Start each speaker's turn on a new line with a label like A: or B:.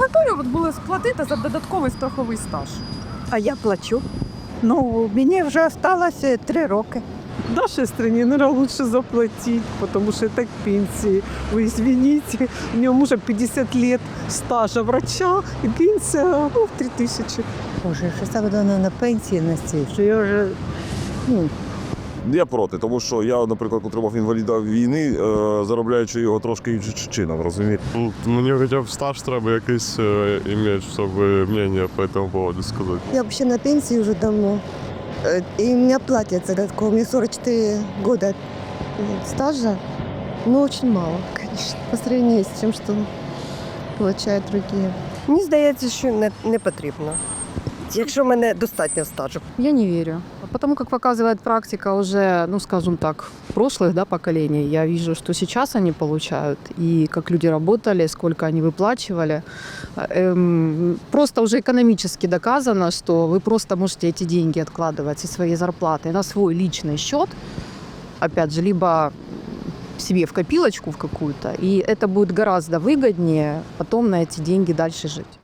A: готові от були сплатити за додатковий страховий стаж?
B: А я плачу. Ну, мені вже залишилося 3 роки.
C: В нашей стране, наверное, лучше заплатить, потому что это к пенсии. Вы извините, у меня мужа 50 лет стажа врача, и пенсия в 3000.
B: Боже, що це буде на пенсії на цій, що я вже,
D: Я проти, тому що я, наприклад, отримав інваліда війни, заробляючи його трошки іншим чином, розумієте?
E: Мені хоча б стаж треба якийсь ім'я, щоб мнення по цьому поводу сказати.
F: Я вообще на пенсии уже давно. И меня платят за додатково. Мне 44 года стажа. Но очень мало, конечно, по сравнению с тем, что получают другие.
G: Мені здається, що не потрібно, якщо в мене достатньо стажу.
A: Я не верю. Потому как показывает практика уже, ну скажем так, прошлых поколений, я вижу, что сейчас они получают, и как люди работали, сколько они выплачивали. Просто уже экономически доказано, что вы просто можете эти деньги откладывать из своей зарплаты на свой личный счет, опять же, либо себе в копилочку в какую-то, и это будет гораздо выгоднее потом на эти деньги дальше жить.